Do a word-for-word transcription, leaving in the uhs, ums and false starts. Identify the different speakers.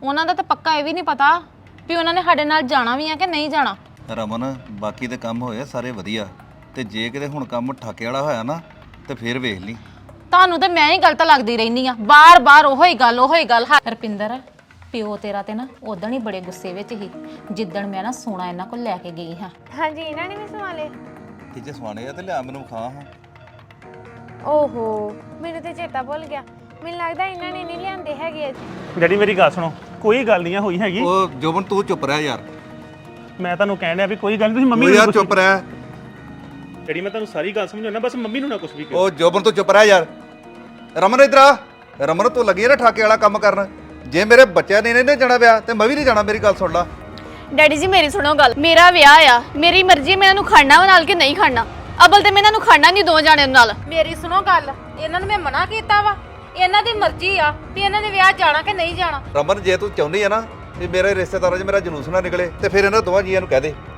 Speaker 1: ਉਹਨਾਂ ਦਾ ਤਾਂ ਪੱਕਾ ਇਹ ਵੀ ਨਹੀਂ ਪਤਾ ਵੀ ਉਹਨਾਂ ਨੇ ਸਾਡੇ ਨਾਲ ਜਾਣਾ ਵੀ ਆ ਕਿ ਨਹੀਂ ਜਾਣਾ।
Speaker 2: ਰਮਨ ਬਾਕੀ ਦੇ ਕੰਮ ਹੋਏ ਸਾਰੇ ਵਧੀਆ, ਤੇ ਜੇ ਕਿਤੇ ਹੁਣ ਕੰਮ ਠਾਕੇ ਵਾਲਾ ਹੋਇਆ ਨਾ ਤੇ ਫੇਰ ਵੇਖ ਲਈ।
Speaker 1: ਤੁਹਾਨੂੰ ਤੇ ਮੈਂ ਹੀ ਗਲਤ ਲੱਗਦੀ ਰਹਿਨੀ ਆ, ਬਾਰ-ਬਾਰ ਉਹੋ ਹੀ ਗੱਲ ਉਹੋ ਹੀ ਗੱਲ। ਰਪਿੰਦਰ ਪਿਓ ਤੇਰਾ ਤੇ ਨਾ ਉਦੋਂ ਹੀ ਬੜੇ ਗੁੱਸੇ ਵਿੱਚ ਸੀ ਜਿੱਦਣ ਮੈਂ ਨਾ ਸੋਨਾ ਇਹਨਾਂ ਕੋਲ ਲੈ ਕੇ ਗਈ ਹਾਂ।
Speaker 3: ਹਾਂਜੀ ਇਹਨਾਂ ਨੇ ਵੀ ਸਵਾਲੇ
Speaker 2: ਕਿ ਜੇ ਸਵਾਣੇ ਆ ਤੇ ਲਿਆ ਮੈਨੂੰ ਖਾ ਹਾਂ।
Speaker 3: ਓਹੋ ਮੈਨੂੰ ਤੇ ਚੇਤਾ ਭੁੱਲ ਗਿਆ, ਮੈਨੂੰ ਲੱਗਦਾ ਇਹਨਾਂ ਨੇ ਨਹੀਂ ਲਿਆਂਦੇ ਹੈਗੇ ਅੱਜ।
Speaker 4: ਡੈਡੀ ਮੇਰੀ ਗੱਲ ਸੁਣੋ, ਕੋਈ ਗੱਲ ਨਹੀਂ ਹੋਈ ਹੈਗੀ।
Speaker 2: ਉਹ ਜੋਬਨ ਤੂੰ ਚੁੱਪ ਰਹਿ ਯਾਰ।
Speaker 4: ਮੈਂ ਤੁਹਾਨੂੰ ਕਹਿਣ ਡਿਆ ਵੀ ਕੋਈ ਗੱਲ ਨਹੀਂ, ਤੁਸੀਂ ਮੰਮੀ
Speaker 2: ਉਹ
Speaker 4: ਨੂੰ
Speaker 2: ਯਾਰ ਚੁੱਪ ਰਹਿ।
Speaker 4: ਡੈਡੀ ਮੈਂ ਤੁਹਾਨੂੰ ਸਾਰੀ ਗੱਲ ਸਮਝਾਉਣਾ, ਬਸ ਮੰਮੀ ਨੂੰ ਨਾ ਕੁਝ ਵੀ ਕਹੋ।
Speaker 2: ਉਹ ਜੋਬਨ ਤੂੰ ਚੁੱਪ ਰਹਿ ਯਾਰ। ਰਮਨ ਇਧਰ ਆ। ਰਮਨ ਤੂੰ ਲੱਗੀ ਨਾ ਠਾਕੇ ਵਾਲਾ ਕੰਮ ਕਰਨ। ਜੇ ਮੇਰੇ ਬੱਚਿਆਂ ਨੇ ਇਹਨੇ ਜਾਣਾ ਵਿਆਹ ਤੇ ਮੈਂ ਵੀ ਨਹੀਂ ਜਾਣਾ। ਮੇਰੀ ਗੱਲ ਸੁਣ ਲਾ।
Speaker 5: ਡੈਡੀ ਜੀ ਮੇਰੀ ਸੁਣੋ ਗੱਲ, ਮੇਰਾ ਵਿਆਹ ਆ, ਮੇਰੀ ਮਰਜ਼ੀ ਮੈਂ ਇਹਨੂੰ ਖੜਨਾ ਨਾਲ ਕਿ ਨਹੀਂ ਖੜਨਾ। ਅਬਲ ਤੇ ਮੈਂ ਇਹਨਾਂ ਨੂੰ ਖੜਨਾ ਨਹੀਂ ਦੋ ਜਾਣਿਆਂ ਨਾਲ।
Speaker 1: ਮੇਰੀ ਸੁਣੋ ਗੱਲ, ਇਹਨਾਂ ਨੂੰ ਮੈਂ ਮਨਾ ਕੀਤਾ ਵਾ, ਇਹਨਾਂ ਦੀ ਮਰਜ਼ੀ ਆ ਵੀ ਇਹਨਾਂ ਨੇ ਵਿਆਹ ਜਾਣਾ ਕਿ ਨਹੀਂ ਜਾਣਾ।
Speaker 2: ਰਮਨ ਜੇ ਤੂੰ ਚਾਹੁੰਦੀ ਆ ਨਾ ਵੀ ਮੇਰੇ ਰਿਸ਼ਤੇਦਾਰਾਂ 'ਚ ਮੇਰਾ ਜਲੂਸ ਨਾ ਨਿਕਲੇ ਤੇ ਫਿਰ ਇਹਨਾਂ ਦੋਵਾਂ ਜੀਆਂ ਨੂੰ ਕਹਿ ਦੇ